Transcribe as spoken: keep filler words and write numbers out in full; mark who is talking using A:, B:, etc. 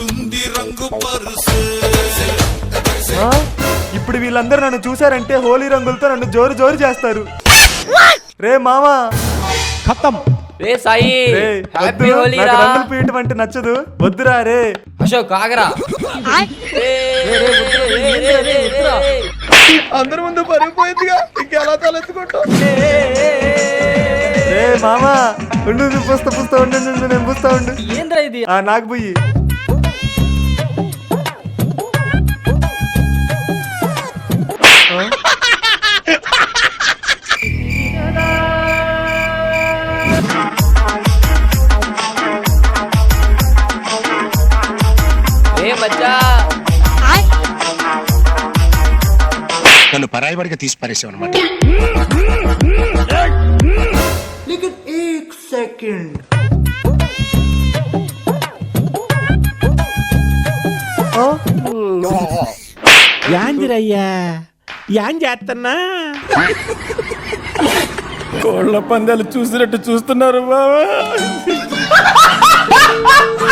A: ఇప్పుడు వీళ్ళందరూ నన్ను చూసారంటే హోలీ రంగులతో నన్ను జోరు జోరు చేస్తారు. రే మామా
B: ఖతం.
C: రే సాయి హ్యాపీ హోలీ రా.
A: రంగులు పీయటం అంటే నచ్చదు, వద్దురా. రే
C: అశోక్ ఆగరా.
B: అందరి ముందు పరిగిపోయిందిగా, ఇంకెలా తలెత్తుకుంటాం?
A: రే మామా ఉండు, నువ్వు పుస్తా పుస్తా ఉండు, నేను పుస్తా ఉండు.
C: ఏంద్రా ఇది?
A: ఆ నాకు పోయి
D: నన్ను పరాయివాడిగా తీసి పారేసావు అనమాట.
B: యాందిరయ్యా యాన్ చేస్తున్నా? కోళ్ల పందాలు చూసినట్టు చూస్తున్నారు బావా.